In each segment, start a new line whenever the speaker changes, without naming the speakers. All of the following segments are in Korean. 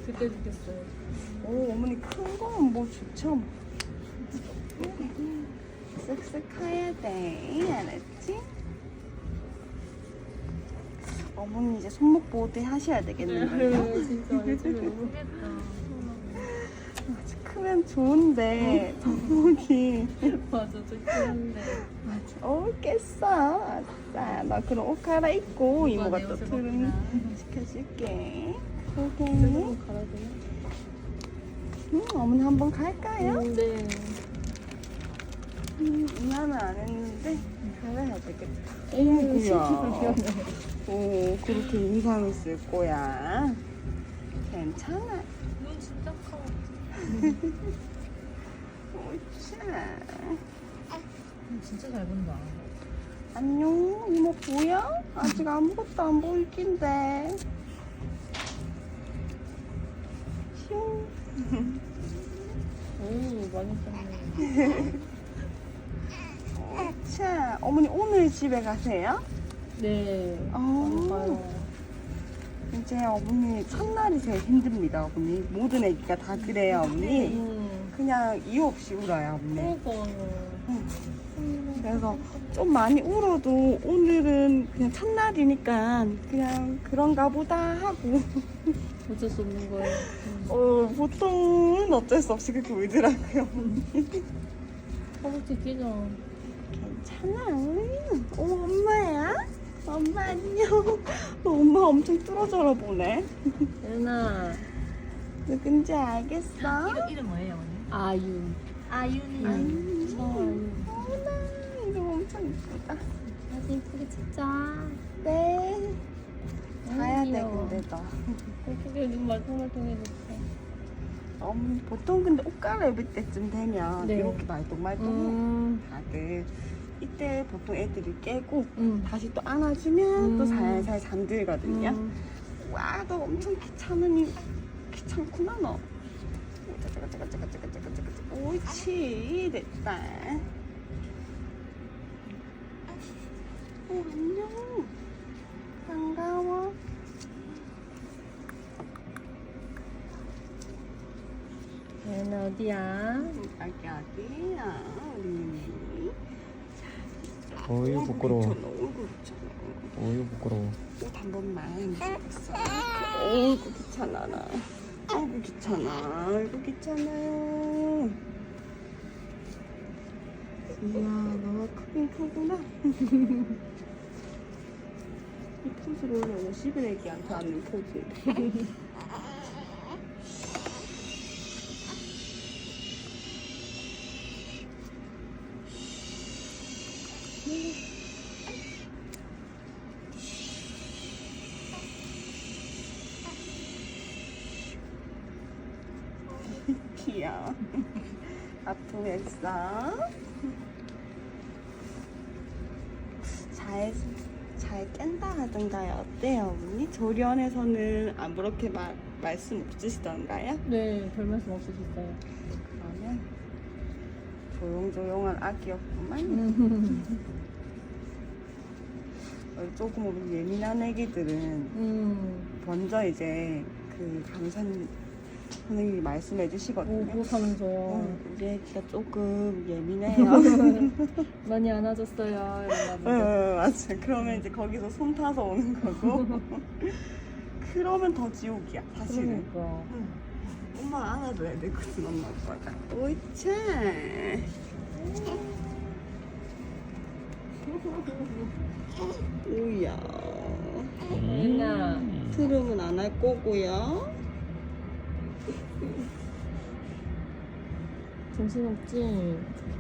그때 느꼈어요.
오, 어머니 큰 거는 뭐 좋죠? 쓱쓱 해야 돼. 알았지? 어머니 이제 손목 보호대 하셔야 되겠는데요?
진짜 요즘에 너무 했다.
크면 좋은데 손목이
맞아, 좋긴한데.
깼어. 아싸. 나 그럼 옷 갈아입고 이모가 또 트름 시켜줄게. 오케이.
좀 갈아야 되나?
어머니 한번 갈까요?
네.
이만은 안 했는데 갈아야 되겠다.
어이구야.
오, 그렇게 인상을 쓸 거야. 괜찮아.
눈 진짜 커.
오차.
진짜 잘 본다.
안녕, 이모 보여? 아직 아무것도 안 보일 낀데. 슝.
오, 많이 컸네.
자, 어머니 오늘 집에 가세요?
네.
어.
가요.
이제 어머니 첫날이 제일 힘듭니다, 어머니. 모든 애기가 다 그래요, 어머니. 그냥 이유 없이 울어요, 어머니.
그러고.
그래서 좀 많이 울어도 오늘은 그냥 첫날이니까 그냥 그런가 보다 하고.
어쩔 수 없는 거예요.
보통은 어쩔 수 없이 그렇게 울더라고요.
허벅지 끼죠.
괜찮아. 엄마야? 엄마 안녕. 엄마 엄청 뚫어져라 보네.
예나.
누군지 알겠어?
이름 뭐예요, 언니? 아윤. 아윤이.
아윤이.
아윤.
어머나, 이름 엄청 이쁘다.
사진 이쁘게 찍자.
네. 가야 돼,
귀여워.
근데 너.
예쁘게 눈 말똥말똥해졌어.
보통 근데 옷 갈아입을 때쯤 되면
네.
이렇게 말똥말똥 다들 이때 보통 애들이 깨고 다시 또 안아주면 또 살살 잠들거든요. 와, 너 엄청 귀찮구나 너. 옳지, 됐다. 안녕. 반가워.
얘는 어디야?
여기 어디야, 우리.
어유 부끄러워.
얼굴 귀찮아.
어유 부끄러워.
옷 한 번만. 어이구 귀찮아라. 아이고 귀찮아. 아이고 귀찮아요. 이야, 너가 크긴 크구나. 이 포즈를 원래 50일 애기한테 앉는 포즈. 귀여워. 아프겠어? 잘 깬다 하던가요? 어때요, 어머니? 조련에서는 아무렇게 말씀 없으시던가요?
네, 별 말씀 없으셨어요.
그러면 조용조용한 아기였구만. 조금 우리 예민한 애기들은 먼저 이제 그 강사님 선생님이 말씀해 주시거든요.
그렇다면서요.
우리 애기가 조금 예민해요.
많이 안아줬어요. 이러면서.
맞아. 그러면 이제 거기서 손 타서 오는 거고. 그러면 더 지옥이야, 사실은.
그러니까.
엄마 안아줘야 되거든, 엄마 아빠가. 옳지. 오야.
얘나.
트름은 안 할 거고요.
정신없지?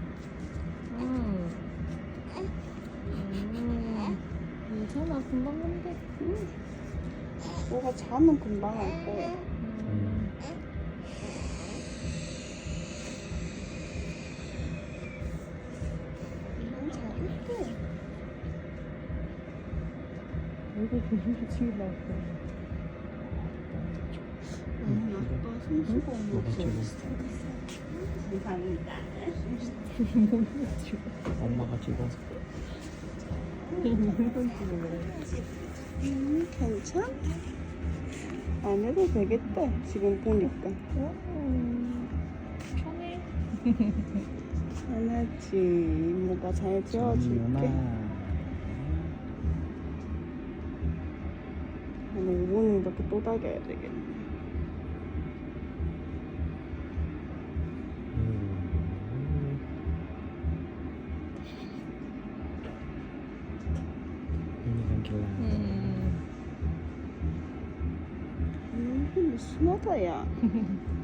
괜찮아, 금방 간대.
너가 자면 금방 할 거야. 잘할게.
얼굴 보는 지금 나왔어.
아빠 손수고
너가 찍어.
감사합니다.
엄마가 찍어서.
괜찮? 안 해도 되겠다. 지금 보니까.
편해.
편하지. 이모가 잘 재워줄게. 한 5분은 이렇게 또 다겨야 되겠네.
미니건 길라.
순하다, 야.